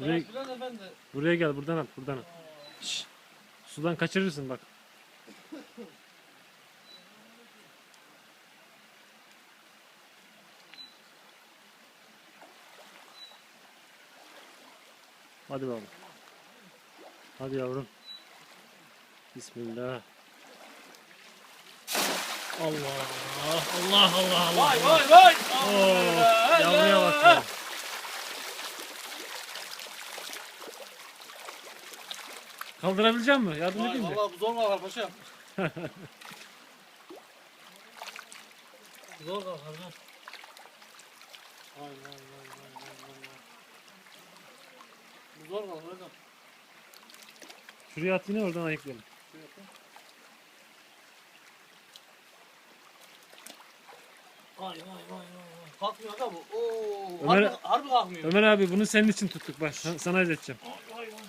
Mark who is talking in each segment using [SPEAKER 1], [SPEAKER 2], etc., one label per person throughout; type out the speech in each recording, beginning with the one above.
[SPEAKER 1] Buraya, buraya gel, buradan at, buradan at. Şşş. Sudan kaçırırsın bak. Hadi bakalım. Hadi yavrum. Bismillah. Allah Allah Allah Allah.
[SPEAKER 2] Vay vay vay.
[SPEAKER 1] Oo, yavruya bak ya. Kaldırabilecek misin? Yardım edeyim mi?
[SPEAKER 2] Valla bu zor kalkar paşam. Zor kalkar zor. Vay vay vay vay vay vay. Bu zor kalkar hocam.
[SPEAKER 1] Şuraya at yine oradan ayıklayalım.
[SPEAKER 2] Vay vay vay vay. Kalkmıyor da bu. Oo,
[SPEAKER 1] Ömer-
[SPEAKER 2] harbi kalkmıyor.
[SPEAKER 1] Ömer abi bunu senin için tuttuk bak. Sana ödeteceğim.
[SPEAKER 2] Vay vay.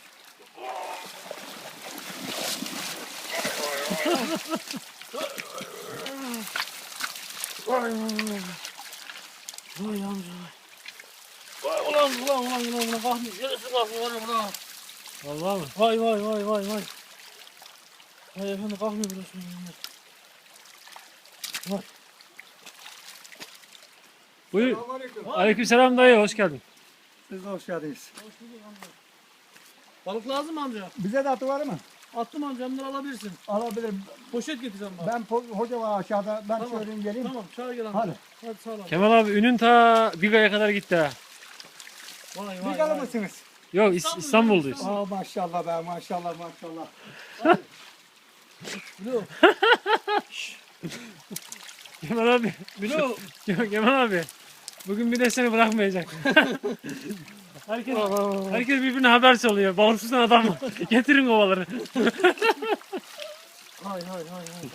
[SPEAKER 2] Vay amca. Vay ulan kalkmıyor. Yarısı kalkmıyor ulan.
[SPEAKER 1] Vallahi mı?
[SPEAKER 2] Vay vay vay vay vay. Vay efendim kalkmıyor burası. Vay.
[SPEAKER 1] Buyur.
[SPEAKER 3] Selamünaleyküm.
[SPEAKER 1] Aleykümselam dayı, hoş geldin.
[SPEAKER 3] Siz de hoş geldiniz.
[SPEAKER 2] Balık lazım mı amca?
[SPEAKER 3] Bize de atı var mı?
[SPEAKER 2] Attım amca, bunları alabilirsin.
[SPEAKER 3] Alabilirim.
[SPEAKER 2] Poşet getireceğim bana.
[SPEAKER 3] Hoca var aşağıda. Ben
[SPEAKER 2] Tamam.
[SPEAKER 3] söyleyeyim geleyim.
[SPEAKER 2] Tamam çağır gel amca.
[SPEAKER 3] Hadi.
[SPEAKER 2] Hadi sağ ol.
[SPEAKER 1] Kemal abi ünün ta Biga'ya kadar gitti ha.
[SPEAKER 2] Vay
[SPEAKER 3] Bir
[SPEAKER 2] vay
[SPEAKER 3] kalır
[SPEAKER 2] vay.
[SPEAKER 3] mısınız?
[SPEAKER 1] Yok
[SPEAKER 2] İstanbul,
[SPEAKER 1] İstanbul'dayız.
[SPEAKER 2] İstanbul.
[SPEAKER 3] Aa maşallah be maşallah maşallah.
[SPEAKER 2] Bilo.
[SPEAKER 1] Kemal abi.
[SPEAKER 2] Bilo.
[SPEAKER 1] Kemal abi. Bugün bir de seni bırakmayacak. herkes birbirine haber çalıyor. Balıksızdan adam var. Getirin kovaları.
[SPEAKER 2] Hay hay hay hay.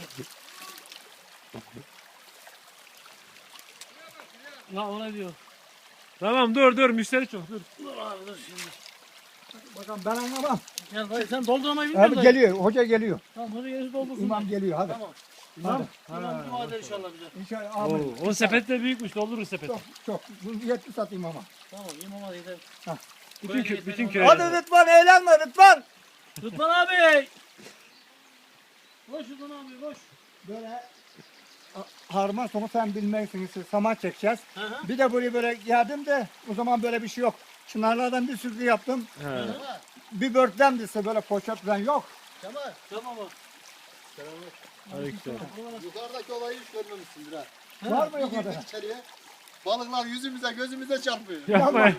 [SPEAKER 2] Ya o ne diyor?
[SPEAKER 1] Tamam dur müşteri çok dur.
[SPEAKER 2] Dur abi dur şimdi.
[SPEAKER 3] Bakalım ben anlamam.
[SPEAKER 2] Gel dayı sen doldurmayı bilmiyor
[SPEAKER 3] Abi
[SPEAKER 2] musun?
[SPEAKER 3] geliyor. Hoca geliyor.
[SPEAKER 2] Tamam hadi gerisi doldursun.
[SPEAKER 3] İmam geliyor hadi.
[SPEAKER 2] Tamam.
[SPEAKER 3] Hadi.
[SPEAKER 2] İmam dua eder inşallah bize.
[SPEAKER 3] İnşallah
[SPEAKER 1] Oo,
[SPEAKER 3] amin.
[SPEAKER 1] o sepet de büyükmüş, doldururuz sepeti.
[SPEAKER 3] Çok. Bu yetti satayım ama.
[SPEAKER 2] Tamam imama da gider.
[SPEAKER 1] Bütün köye.
[SPEAKER 3] Hadi Rıdvan eğlenme Rıdvan.
[SPEAKER 2] Rıdvan abi. Koş Rıdvan abi koş.
[SPEAKER 3] Böyle harman sonu sen bilmeksiniz. Saman çekeceğiz.
[SPEAKER 2] Hı hı.
[SPEAKER 3] Bir de burayı böyle geldim de o zaman böyle bir şey yok. Çınarlardan bir sürü yaptım.
[SPEAKER 1] He.
[SPEAKER 3] Bir börtten ise böyle poşet falan yok.
[SPEAKER 2] Kemal. Tamam mı?
[SPEAKER 1] Aleykümselam.
[SPEAKER 4] Yukarıdaki olayı hiç görmemişsindir ha.
[SPEAKER 3] Var mı yok
[SPEAKER 4] Bir
[SPEAKER 3] orada?
[SPEAKER 4] girdik içeriye. Balıklar yüzümüze gözümüze çarpıyor.
[SPEAKER 1] Yapma.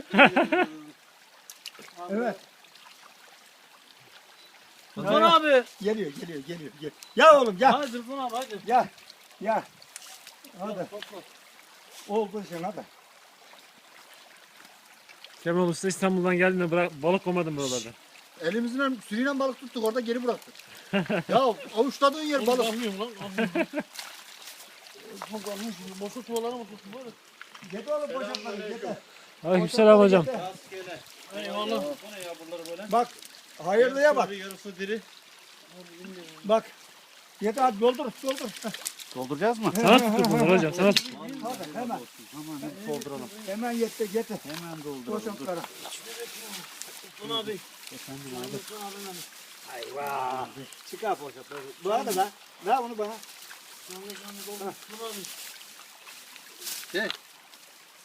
[SPEAKER 3] Evet.
[SPEAKER 2] Rıdvan abi.
[SPEAKER 3] Geliyor. Ya oğlum gel.
[SPEAKER 2] Hadi Rıdvan abi hadi.
[SPEAKER 3] Gel. Hadi.
[SPEAKER 2] Topla.
[SPEAKER 3] Oldu şimdi hadi.
[SPEAKER 1] Kemal Usta İstanbul'dan geldiğinde balık koymadım buralarda.
[SPEAKER 4] Elimizle sürüyle balık tuttuk orada geri bıraktık. Ya avuçladığın yer
[SPEAKER 2] Oğlum
[SPEAKER 4] balık.
[SPEAKER 2] kalkmıyorum lan. Kalkmıyorum. Çok kalkmış. Boşa çuvallara mı tuttun böyle?
[SPEAKER 3] Get oğlum poşetleri get.
[SPEAKER 1] Aleykümselam hocam.
[SPEAKER 4] Rastgele.
[SPEAKER 2] Eyvallah.
[SPEAKER 4] O ne ya bunları böyle?
[SPEAKER 3] Bak hayırlıya bak.
[SPEAKER 4] Yarısı diri.
[SPEAKER 3] Bak. Get hadi doldur.
[SPEAKER 4] Dolduracağız mı?
[SPEAKER 1] Sana tuttuk bunları hocam. Sana tuttuk.
[SPEAKER 3] Hadi hemen.
[SPEAKER 4] Hemen dolduralım.
[SPEAKER 3] Hemen yetti get.
[SPEAKER 4] Hemen dolduralım.
[SPEAKER 3] Poşetleri.
[SPEAKER 2] Rıdvan abi.
[SPEAKER 4] Efendim abi.
[SPEAKER 2] Rıdvan abi benim.
[SPEAKER 3] Ayva. Çıkar poşetleri. Bana da ver. Ver bunu bana.
[SPEAKER 2] Canlı doldur. Rıdvan abi.
[SPEAKER 4] Çek.